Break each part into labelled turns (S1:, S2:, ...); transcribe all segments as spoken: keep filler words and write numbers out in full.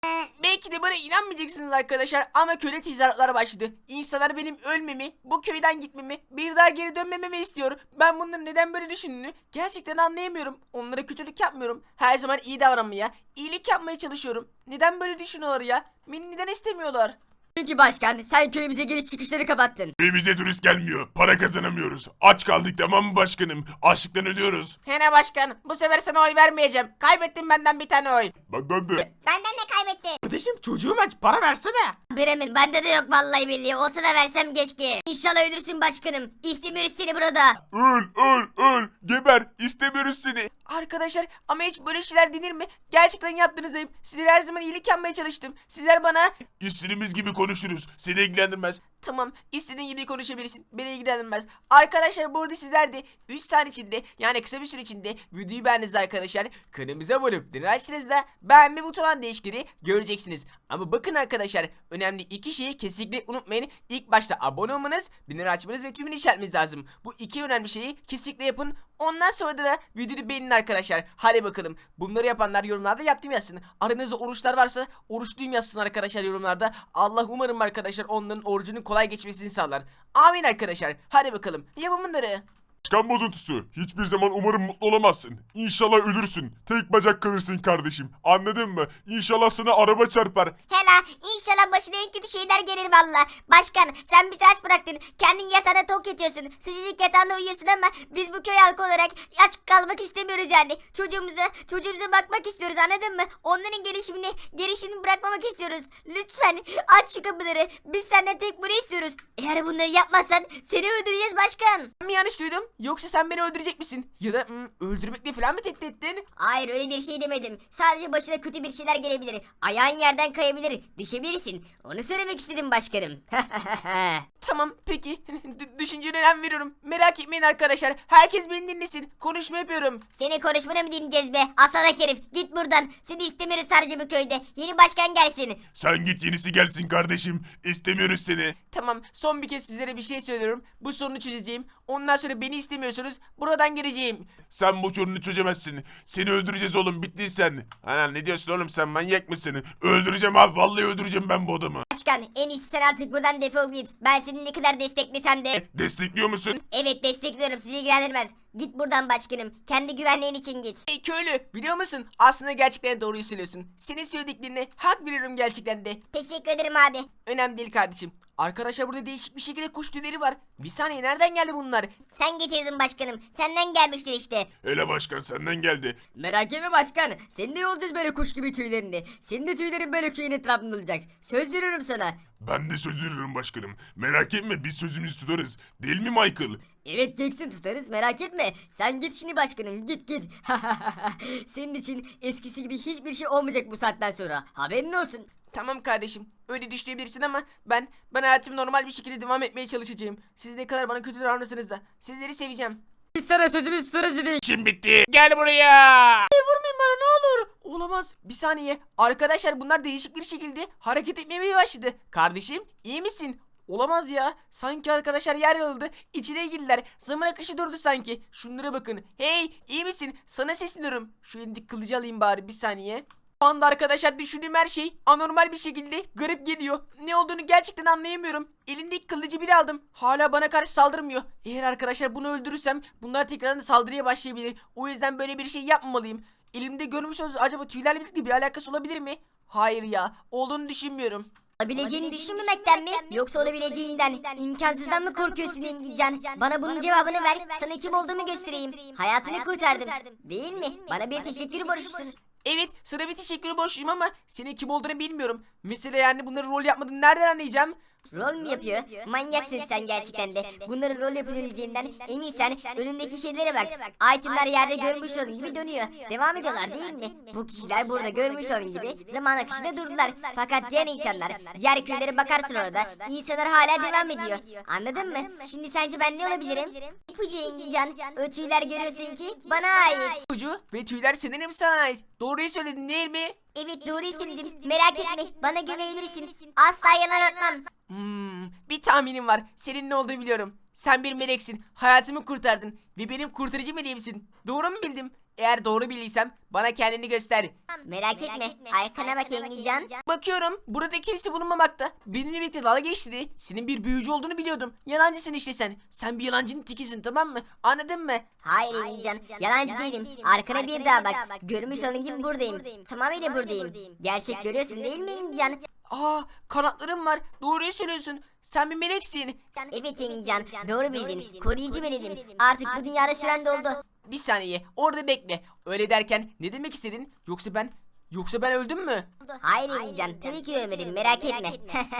S1: Hmm, belki de bana inanmayacaksınız arkadaşlar ama köle tezahüratları başladı. İnsanlar benim ölmemi, bu köyden gitmemi, bir daha geri dönmememi istiyor. Ben bunların neden böyle düşündüğünü gerçekten anlayamıyorum. Onlara kötülük yapmıyorum. Her zaman iyi davranmaya, iyilik yapmaya çalışıyorum. Neden böyle düşünüyorlar ya? Beni neden istemiyorlar?
S2: Çünkü başkan sen köyümüze giriş çıkışları kapattın.
S3: Köyümüze turist gelmiyor. Para kazanamıyoruz. Aç kaldık, tamam mı başkanım? Açlıktan ölüyoruz.
S1: Hene başkan, bu sefer sana oy vermeyeceğim. Kaybettin benden bir tane oy.
S3: Benden de.
S4: Benden de kaybettin.
S1: Kardeşim çocuğum aç, para versene.
S2: Bremen bende de yok vallahi billahi. Olsa da versem keşke. İnşallah ölürsün başkanım. İstemiyoruz seni burada.
S3: Öl öl öl. Geber. İstemiyoruz seni.
S1: Arkadaşlar ama hiç böyle şeyler denir mi? Gerçekten yaptığınız ayıp. Sizlere her zaman iyilik yapmaya çalıştım. Sizler bana...
S3: İstediğimiz gibi konuşuruz. Seni ilgilendirmez.
S1: Tamam, istediğin gibi konuşabilirsin. Beni ilgilenmez. Arkadaşlar burada sizler de üç saniye içinde, yani kısa bir süre içinde videoyu beğendiniz arkadaşlar. Kanalımıza abone olup zilini açtığınızda beğenme butonundan değişikliği göreceksiniz. Ama bakın arkadaşlar, önemli iki şeyi kesinlikle unutmayın. İlk başta abone olmanız, bildirim açmanız ve tümünü işaretlemeniz lazım. Bu iki önemli şeyi kesinlikle yapın. Ondan sonra da videoyu beğenin arkadaşlar. Hadi bakalım. Bunları yapanlar yorumlarda yaptım yazsın. Aranızda oruçlar varsa oruçluyum yazsın arkadaşlar yorumlarda. Allah umarım arkadaşlar onların orucunun kolay geçmesini sağlar. Amin arkadaşlar. Hadi bakalım. Yapın bunları.
S3: Başkan bozuntusu. Hiçbir zaman umarım mutlu olamazsın. İnşallah ölürsün. Tek bacak kalırsın kardeşim. Anladın mı? İnşallah sana araba çarpar.
S4: Hela inşallah başına en kötü şeyler gelir valla. Başkan sen bizi aç bıraktın. Kendin yatağında tok yatıyorsun. Sıcacık yatağında uyuyorsun ama biz bu köy halkı olarak aç kalmak istemiyoruz yani. Çocuğumuza, çocuğumuza bakmak istiyoruz anladın mı? Onların gelişimini, gelişimini bırakmamak istiyoruz. Lütfen aç şu kapıları. Biz senden tek bunu istiyoruz. Eğer bunları yapmazsan seni öldüreceğiz başkan.
S1: Ben mi yanlış duydum? Yoksa sen beni öldürecek misin? Ya da hmm, öldürmekle falan mı tehdit ettin?
S4: Hayır öyle bir şey demedim. Sadece başına kötü bir şeyler gelebilir. Ayağın yerden kayabilir. Düşebilirsin. Onu söylemek istedim başkanım.
S1: Tamam peki. D- düşüncene önem veriyorum. Merak etmeyin arkadaşlar. Herkes beni dinlesin. Konuşma yapıyorum.
S4: Seni konuşmanı mı dinleyeceğiz be? Asalak herif. Git buradan. Seni istemiyoruz sadece bu köyde. Yeni başkan gelsin.
S3: Sen git, yenisi gelsin kardeşim. İstemiyoruz seni.
S1: Tamam, son bir kez sizlere bir şey söylüyorum. Bu sorunu çözeceğim. Ondan sonra beni istemiyorsunuz. Buradan geleceğim.
S3: Sen bu sorunu çözemezsin. Seni öldüreceğiz oğlum, bittin sen. Ana ne diyorsun oğlum, sen manyak mısın? Öldüreceğim abi, vallahi öldüreceğim ben bu adamı.
S4: Başkan en iyisi sen artık buradan defol git. Ben seni ne kadar desteklesem de.
S3: Destekliyor musun?
S4: Evet destekliyorum sizi ilgilendirmez. Git buradan başkanım. Kendi güvenliğin için git.
S1: Hey köylü, biliyor musun? Aslında gerçekten doğruyu söylüyorsun. Senin söylediklerine hak veriyorum gerçekten de.
S4: Teşekkür ederim abi.
S1: Önemli değil kardeşim. Arkadaşlar burada değişik bir şekilde kuş tüyleri var. Bir saniye, nereden geldi bunlar?
S4: Sen getirdin başkanım. Senden gelmiştir işte.
S3: Hele başkan senden geldi.
S2: Merak etme başkan. Senin de yolacağız böyle kuş gibi tüylerini. Senin de tüylerin böyle köyün etrafında olacak. Söz veriyorum sana.
S3: Ben de söz veriyorum başkanım. Merak etme, biz sözümüzü tutarız. Değil mi Michael?
S2: Evet Jackson tutarız merak etme. Sen git şimdi başkanım git git. Senin için eskisi gibi hiçbir şey olmayacak bu saatten sonra. Haberin olsun.
S1: Tamam kardeşim, öyle düşünebilirsin ama ben ben hayatımı normal bir şekilde devam etmeye çalışacağım. Siz ne kadar bana kötü davranırsanız da sizleri seveceğim.
S2: Biz sana sözümüzü tutarız dedik.
S3: İşim bitti. Gel buraya.
S1: Vurmayın bana ne olur. Olamaz. Bir saniye. Arkadaşlar bunlar değişik bir şekilde hareket etmeye başladı. Kardeşim iyi misin? Olamaz ya. Sanki arkadaşlar yer yarıldı. İçine girdiler. Zaman akışı durdu sanki. Şunlara bakın. Hey iyi misin? Sana sesleniyorum. Şu elindeki kılıcı alayım bari bir saniye. Şu anda arkadaşlar düşündüğüm her şey anormal bir şekilde garip geliyor. Ne olduğunu gerçekten anlayamıyorum. Elindeki kılıcı bile aldım. Hala bana karşı saldırmıyor. Eğer arkadaşlar bunu öldürürsem bunlar tekrardan saldırıya başlayabilir. O yüzden böyle bir şey yapmamalıyım. Elimde görmüş olduğunuz acaba tüylerle birlikte bir alakası olabilir mi? Hayır ya. Olduğunu düşünmüyorum.
S4: Olabileceğini düşünmemekten mi yoksa olabileceğinden imkansızdan mı korkuyorsun İngilizcan? Bana bunun cevabını ver, sana kim olduğumu göstereyim. Hayatını kurtardım değil mi? Bana bir teşekkür borçlusun.
S1: Evet, sana bir teşekkür borçluyum ama senin kim olduğunu bilmiyorum. Mesela yani bunları rol yapmadığını nereden anlayacağım?
S4: Rol mü yapıyor? Manyaksın sen gerçekten de. Bunların rol yapabileceğinden eminsen önündeki şeylere bak. Itemler yerde görmüş olun gibi dönüyor. Devam ediyorlar değil mi? Bu kişiler burada görmüş olun gibi zaman akışında durdular. Fakat diğer insanlar, diğer köylere bakarsın orada. İnsanlar hala devam ediyor. Anladın mı? Şimdi sence ben ne olabilirim? İpucu İngilizcan. O tüyler görüyorsun ki bana ait.
S1: Ucu ve tüyler senin mi sana ait? Doğruyu söyledin değil mi?
S4: Evet doğruyu söyledim. Merak etme. Bana güvenebilirsin. Asla yalan atmam.
S1: Hmm, biliyorum. Bir tahminim var. Senin ne olduğunu biliyorum. Sen bir meleksin. Hayatımı kurtardın. Ve benim kurtarıcı meleğimsin. Doğru mu bildim? Eğer doğru bildiysem bana kendini göster.
S4: Merak etme. Arkana bak Engincan.
S1: Bakıyorum burada kimse bulunmamakta. Benimle birlikte dalga geçti. Senin bir büyücü olduğunu biliyordum. Yalancısın işte sen. Sen bir yalancının tekisin, tamam mı? Anladın mı?
S4: Hayır Engincan. Yalancı değilim. Arkana bir daha bak. Görmüş olduğun gibi buradayım. Tamamıyla buradayım. Gerçek görüyorsun değil mi Engincan?
S1: Aa, kanatlarım var. Doğruyu söylüyorsun. Sen bir meleksin.
S4: Evet Engincan. Doğru bildin. Koruyucu benim. Artık bu dünyada süren doldu.
S1: Bir saniye orada bekle. Öyle derken ne demek istedin? Yoksa ben yoksa ben öldüm mü?
S4: Hayır Engincan. Tabii ki ölmedin. Merak etme.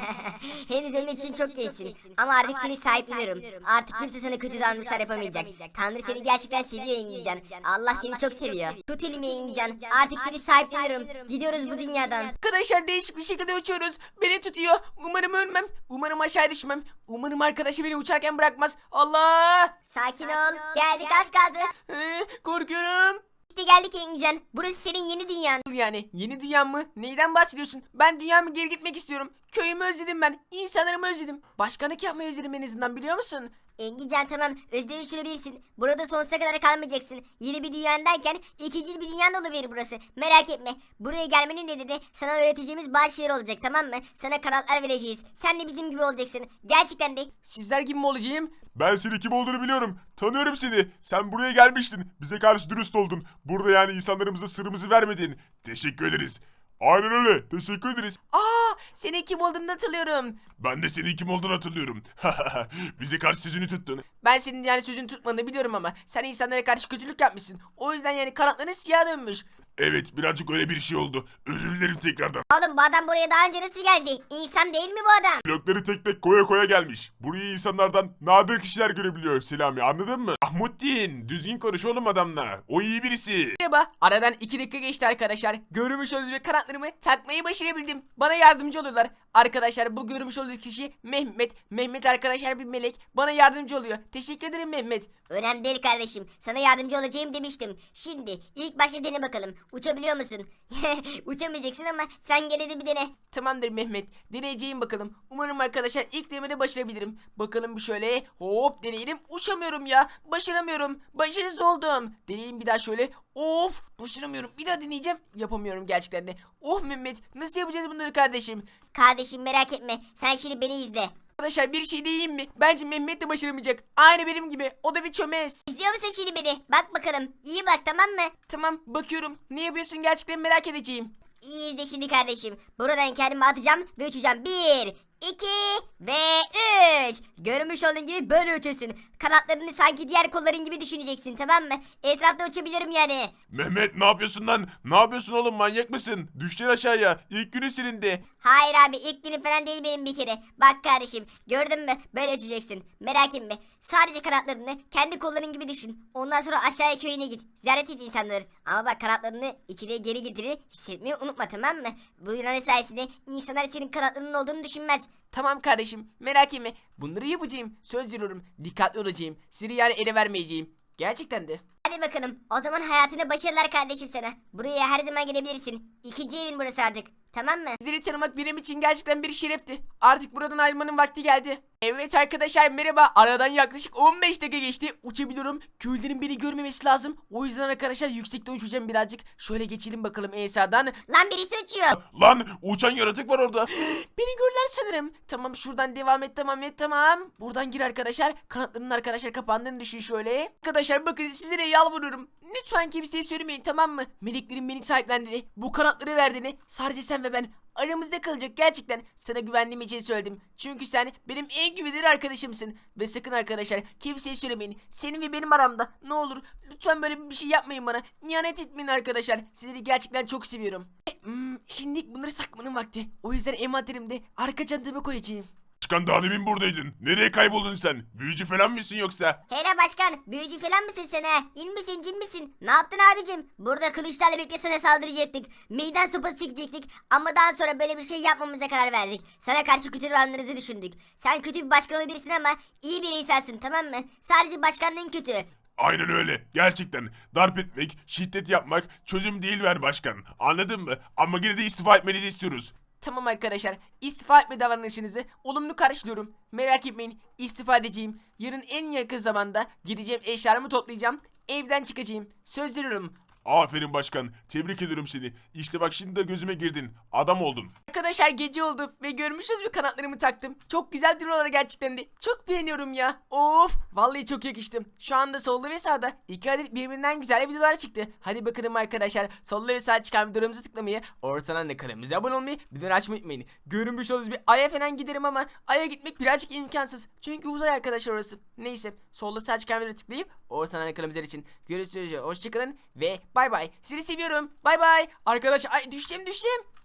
S4: Henüz ölmek için çok gençsin. Ama artık seni sahipleniyorum. Artık kimse sana kötü davranışlar yapamayacak. Tanrı seni gerçekten seviyor Engincan. Allah seni çok seviyor. Tut elimi Engincan. Artık seni sahipleniyorum. Gidiyoruz bu dünyadan.
S1: Arkadaşlar değişik bir şekilde uçuyoruz. Beni tutuyor. Umarım ölmem. Umarım aşağı düşmem. Umarım arkadaşı beni uçarken bırakmaz. Allah!
S4: Sakin ol. Geldik az kaldı.
S1: Ee, korkuyorum.
S4: İşte geldik Engincan. Burası senin yeni dünyan.
S1: Yani yeni dünyam mı? Neyden bahsediyorsun? Ben dünyama geri gitmek istiyorum. Köyümü özledim ben. İnsanlarımı özledim. Başkanlık yapmayı özledim en azından, biliyor musun?
S4: Engincan tamam özdeği sürebilirsin. Burada sonsuza kadar kalmayacaksın. Yeni bir dünyan derken ikinci bir dünyan oluverir burası. Merak etme. Buraya gelmenin nedeni sana öğreteceğimiz bazı şeyler olacak, tamam mı? Sana kanatlar vereceğiz. Sen de bizim gibi olacaksın. Gerçekten de.
S1: Sizler gibi mi olacağım?
S3: Ben senin kim olduğunu biliyorum. Tanıyorum seni. Sen buraya gelmiştin. Bize karşı dürüst oldun. Burada yani insanlarımıza sırrımızı vermedin. Teşekkür ederiz. Aynen öyle. Teşekkür ederiz.
S1: Aa, senin kim olduğunu hatırlıyorum.
S3: Ben de senin kim olduğunu hatırlıyorum. Bize karşı sözünü tuttun.
S1: Ben senin yani sözünü tutmadığını biliyorum ama sen insanlara karşı kötülük yapmışsın. O yüzden yani kanatların siyah dönmüş.
S3: Evet, birazcık öyle bir şey oldu. Özür dilerim tekrardan.
S4: Oğlum bu adam buraya daha önce nasıl geldi? İnsan değil mi bu adam?
S3: Blokları tek tek koya koya gelmiş. Burayı insanlardan nadir kişiler görebiliyor Selami, anladın mı? Ahmuddin, düzgün konuş oğlum adamla. O iyi birisi.
S1: Merhaba. Aradan iki dakika geçti arkadaşlar. Görmüş olduğunuz gibi kanatlarımı takmayı başarabildim. Bana yardımcı oluyorlar. Arkadaşlar bu görmüş olduğunuz kişi Mehmet. Mehmet arkadaşlar bir melek. Bana yardımcı oluyor. Teşekkür ederim Mehmet.
S4: Önemli değil kardeşim. Sana yardımcı olacağım demiştim. Şimdi ilk başta dene bakalım. Uçabiliyor musun? Uçamayacaksın ama sen gene de bir dene.
S1: Tamamdır Mehmet. Deneyeceğim bakalım. Umarım arkadaşlar ilk denemede başarabilirim. Bakalım bir şöyle. Hop deneyelim. Uçamıyorum ya. Başaramıyorum. Başarısız oldum. Deneyelim bir daha şöyle. Of başaramıyorum. Bir daha deneyeceğim. Yapamıyorum gerçekten de. Of Mehmet. Nasıl yapacağız bunları kardeşim?
S4: Kardeşim merak etme. Sen şimdi beni izle.
S1: Arkadaşlar bir şey diyeyim mi? Bence Mehmet de başaramayacak. Aynı benim gibi. O da bir çömez.
S4: İzliyor musun şimdi beni? Bak bakalım. İyi bak, tamam mı?
S1: Tamam bakıyorum. Ne yapıyorsun gerçekten merak edeceğim.
S4: İyi izle şimdi kardeşim. Buradan kendimi atacağım ve uçacağım. Bir, iki ve üç. Görmüş olduğun gibi böyle uçuyorsun. Kanatlarını sanki diğer kolların gibi düşüneceksin, tamam mı? Etrafta uçabiliyorum yani.
S3: Mehmet ne yapıyorsun lan? Ne yapıyorsun oğlum, manyak mısın? Düşeceksin aşağıya. İlk günü silindi.
S4: Hayır abi, ilk günüm falan değil benim bir kere. Bak kardeşim, gördün mü? Böyle uçacaksın. Merak etme. Sadece kanatlarını kendi kolların gibi düşün. Ondan sonra aşağıya köyüne git. Ziyaret et insanları. Ama bak kanatlarını içeriye geri getirir. Hissetmeyi unutma, tamam mı? Bu inanış sayesinde insanlar senin kanatlarının olduğunu düşünmez.
S1: Tamam kardeşim merak etme. Bunları yapacağım. Söz veriyorum. Dikkatli olacağım. Seni yani ele vermeyeceğim. Gerçekten de.
S4: Hadi bakalım. O zaman hayatına başarılar kardeşim sana. Buraya her zaman gelebilirsin. İkinci evin burası artık. Tamam mı?
S1: Sizleri tanımak benim için gerçekten bir şerefti. Artık buradan ayrılmanın vakti geldi. Evet arkadaşlar merhaba. Aradan yaklaşık on beş dakika geçti. Uçabiliyorum. Köylülerin beni görmemesi lazım. O yüzden arkadaşlar yüksekte uçacağım birazcık. Şöyle geçelim bakalım E S A'dan.
S4: Lan birisi uçuyor.
S3: Lan uçan yaratık var orada.
S1: Beni görürler sanırım. Tamam şuradan devam et tamam et tamam. Buradan gir arkadaşlar. Kanatlarının arkadaşlar kapandığını düşün şöyle. Arkadaşlar bakın sizlere yalvarıyorum. Lütfen kimseye söylemeyin tamam mı? Meleklerin beni sahiplendiğini, bu kanatları verdiğini sadece sen ve ben aramızda kalacak gerçekten. Sana güvendiğim için söyledim. Çünkü sen benim en güvenilir arkadaşımsın. Ve sakın arkadaşlar kimseye söylemeyin. Senin ve benim aramda ne olur lütfen böyle bir şey yapmayın bana. İhanet etmeyin arkadaşlar. Sizleri gerçekten çok seviyorum. E, hmm, şimdi bunları saklamanın vakti. O yüzden envanterimde arka çantama koyacağım.
S3: Başkan daha demin buradaydın. Nereye kayboldun sen? Büyücü falan mısın yoksa?
S4: Hele başkan, büyücü falan mısın sen ha? İn misin, cin misin? Ne yaptın abicim? Burada kılıçlarla birlikte sana saldıracaktık. Meydan sopası çekecektik. Ama daha sonra böyle bir şey yapmamıza karar verdik. Sana karşı kötü davranışınızı düşündük. Sen kötü bir başkan olabilirsin ama iyi bir insansın, tamam mı? Sadece başkanlığın kötü.
S3: Aynen öyle. Gerçekten darp etmek, şiddet yapmak çözüm değil ver başkan. Anladın mı? Ama yine de istifa etmenizi istiyoruz.
S1: Tamam arkadaşlar, istifa etme davranışınızı olumlu karşılıyorum. Merak etmeyin, istifa edeceğim. Yarın en yakın zamanda gideceğim, eşyalarımı toplayacağım. Evden çıkacağım. Söz veriyorum.
S3: Aferin başkan. Tebrik ediyorum seni. İşte bak şimdi de gözüme girdin. Adam oldun.
S1: Arkadaşlar gece oldu ve görmüşsünüz mü kanatlarımı taktım. Çok güzel duruyorlar gerçekten de. Çok beğeniyorum ya. Of, vallahi çok yakıştım. Şu anda solda ve sağda iki adet birbirinden güzel videolar çıktı. Hadi bakalım arkadaşlar. Solda ve sağda çıkan videolarımızı tıklamayı, ortadan da kanalımıza abone olmayı, bildirim açmayı unutmayın. Görünmüş olduğunuz bir Ay'a falan giderim ama Ay'a gitmek birazcık imkansız. Çünkü uzay arkadaşlar orası. Neyse, solda sağda çıkan videoları tıklayıp ortadan kanalımızlar için görüşürüz. Hoşçakalın ve bay bay. Sizi seviyorum. Bay bay. Arkadaşlar ay düşeceğim düşeceğim.